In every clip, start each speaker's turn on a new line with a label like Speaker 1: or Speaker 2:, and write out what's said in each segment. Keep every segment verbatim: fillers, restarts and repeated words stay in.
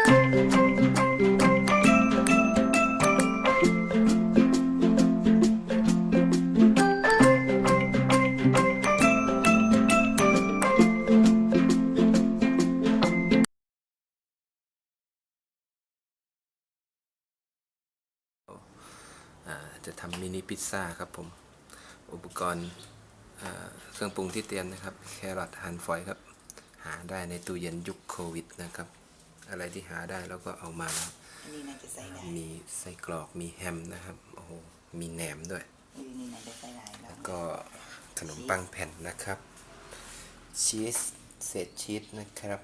Speaker 1: จะทำมินิพิซซ่าครับผมอุปกรณ์เครื่องปรุงที่เตรียมนะครับแครอทหั่นฝอยครับหาได้ในตู้เย็นยุคโควิดนะครับอะไรที่หาได้แล้วก็เอามา
Speaker 2: นี่น่าจะใส่ได้
Speaker 1: มีไส้กรอกมีแฮมนะครับโอ้โหมีแหนมด้วย
Speaker 2: นี่น่าจะใส่ได้
Speaker 1: แล้วก็ขนมปังแผ่นนะครับชีสเศษชีสนะครับ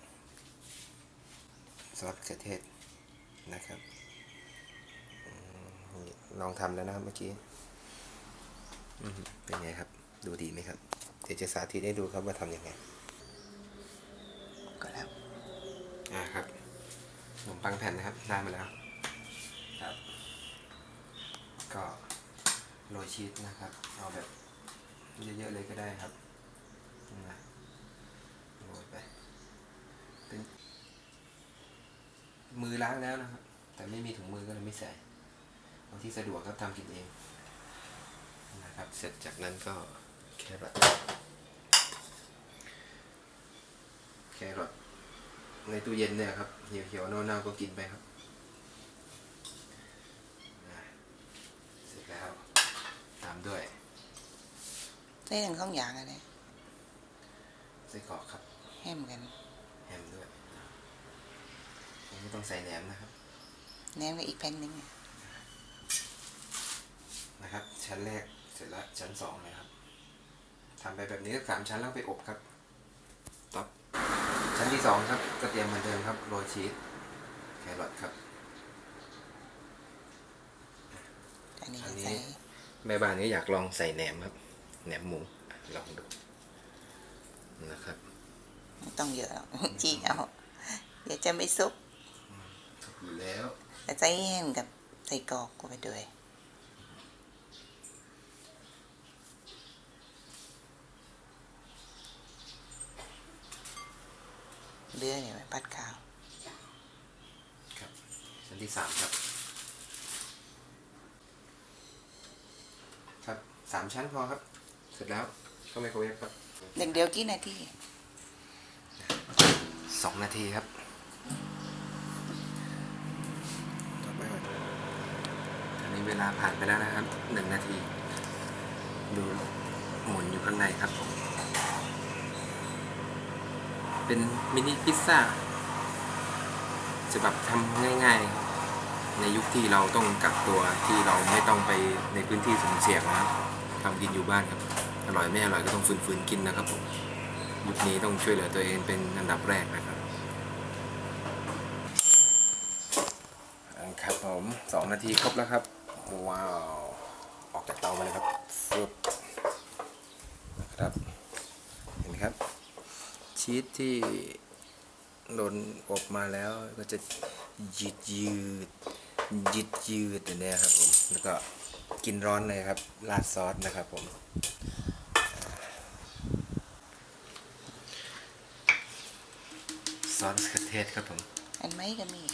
Speaker 1: ซอสมะเขือเทศนะครับลองทำแล้วนะครับเมื่อกี้เป็นไงครับดูดีไหมครับเดี๋ยวจะสาธิตให้ดูครับว่าทำยังไง
Speaker 2: ก็แล้ว
Speaker 1: อ่าครับขนมปังแผ่นนะครับได้มาแล้วครับก็โรยชีสนะครับเอาแบบเยอะๆเลยก็ได้ครับนะโรยไปเป็นมือล้างแล้วนะครับแต่ไม่มีถุงมือก็เลยไม่ใส่เอาที่สะดวกครับทำกินเองนะครับเสร็จจากนั้นก็แครอทแครอทในตู้เย็นเนี่ยครับเหี่ยวๆเน่าๆก็กินไปครับเสร็จแล้วตามด้วย
Speaker 2: ใส่ทั้งสองอย่างอะไร
Speaker 1: ไส้กรอกครับ
Speaker 2: แฮมกัน
Speaker 1: แฮมด้วยผมไม่ต้องใส่แหนมนะครับ
Speaker 2: แหนมกับอีกแผ่นหนึ่ง
Speaker 1: นะครับชั้นแรกเสร็จแล้วชั้นสองเลยครับทำไปแบบนี้ก็สามชั้นแล้วไปอบครับต่อชั้นที่สองครับก็เตรียมเหมือนเดิมครับโรยชีสแครอทครับ
Speaker 2: อันนี้
Speaker 1: แม่บ้านนี้อยากลองใส่แหนมครับแหนมหมูลองดูนะครับ
Speaker 2: ไม่ต้องเยอะจีเอาเดี๋ยวจะไม่ซุก
Speaker 1: อยู่แล้ว
Speaker 2: แต่ใส่แฮมกับใส่กรอกก็ไปด้วยเลือเนี่ยไว้ปัดข้าว
Speaker 1: ครับชั้นที่สามครับครับสามชั้นพอครับเสร็จแล้วเข้าไมโครเวฟครับ
Speaker 2: เด็กเดียวกี่นาที
Speaker 1: สองนาทีครับต่อไปตอนนี้เวลาผ่านไปแล้วนะครับหนึ่งนาทีดูหมุนอยู่ข้างในครับผมเป็นมินิพิซซ่าจะแบบทำง่ายๆในยุคที่เราต้องกักตัวที่เราไม่ต้องไปในพื้นที่สุ่มเสี่ยงนะครับทำกินอยู่บ้านครับอร่อยไม่อร่อยก็ต้องฝืนๆกินนะครับผมยุคนี้ต้องช่วยเหลือตัวเองเป็นอันดับแรกนะครับครับผมสองนาทีครบแล้วครับว้าวออกจากเตามาเลยครับฟึบนะครับเห็นไหมครับชีสที่โดนอบมาแล้วก็จะยืดยืดยืดยืดอย่างนี้ครับผมแล้วก็กินร้อนเลยครับราดซอสนะครับผมซอสมะเขือเทศครับผม
Speaker 2: อันไหมก็มี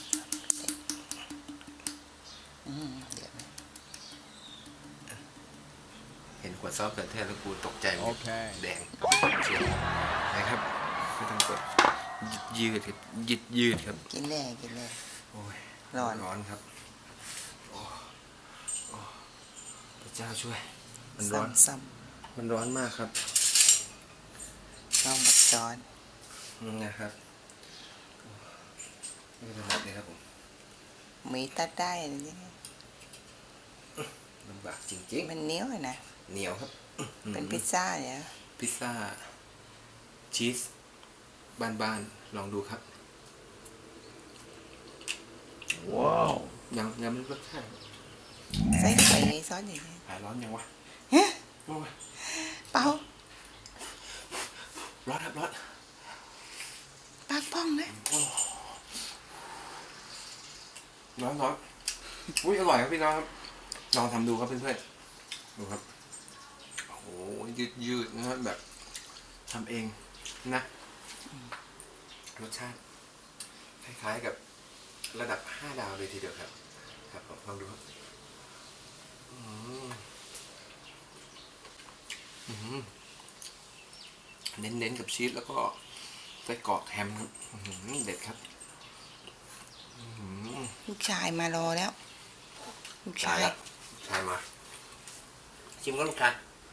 Speaker 1: เห็นขวดซอสมะเขือเทศแล้วกูตกใจหมดแดงนะครับไม่ต้องกดยืดครับยืดยืดครับ
Speaker 2: กินแร่กินแร่
Speaker 1: โอ้ย
Speaker 2: ร้อน
Speaker 1: ร้อนครับโอ้โอ้พระเจ้าช่วยมันร้อน
Speaker 2: ซ้
Speaker 1: ำมันร้อนมากครับ
Speaker 2: ต้องบักจอน
Speaker 1: นะครับไม่เป็นไรเลยครับผม
Speaker 2: มีตัดได้อะไรอย่างเงี้ย
Speaker 1: ลำบากจริงๆ
Speaker 2: มันเหนียวนะ
Speaker 1: เหนียวครับ
Speaker 2: เป็นพิซซ่าเนี่ย
Speaker 1: พิซซ่าชีสบ้านๆลองดูครับว้าวยังยังไม่รสชาติ
Speaker 2: ใส่ไปในซอสอย่างนี้
Speaker 1: หายร้อนยังวะ
Speaker 2: เฮ้ยเปล่า
Speaker 1: ร้อนครับร้อน
Speaker 2: ปากป้องนะ
Speaker 1: ร้อนร้อนอุ้ยอร่อยครับพี่น้องครับลองทำดูครับเพื่อนๆดูครับโอ้โหยืดยืดนะครับแบบทำเองนะรสชาติคล้ายๆกับระดับห้าดาวเลยทีเดียวครับครับผมลองดูครับอืมอืมเน้นๆกับชีสแล้วก็ไส้กรอกแฮมอื้อหือเด็ดครับอื้อหือ
Speaker 2: ลูกชายมารอแล้ว ลูก
Speaker 1: ชา
Speaker 2: ชาย ย
Speaker 1: แล้วชายมาชิมก็ลูกชาย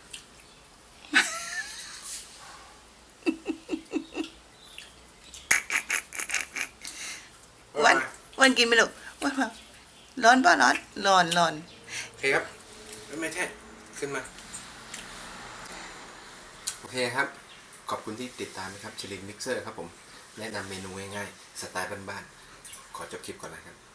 Speaker 2: วันวันกินไหมลูกวันมาร้อนป่ะร้อนร้อนร้อน
Speaker 1: โอเคครับไม่ใช่ขึ้นมาโอเคครับขอบคุณที่ติดตามนะครับชิลินมิกเซอร์ครับผมแนะนำเมนูง่ายๆสไตล์บ้านๆขอจบคลิปก่อนนะครับ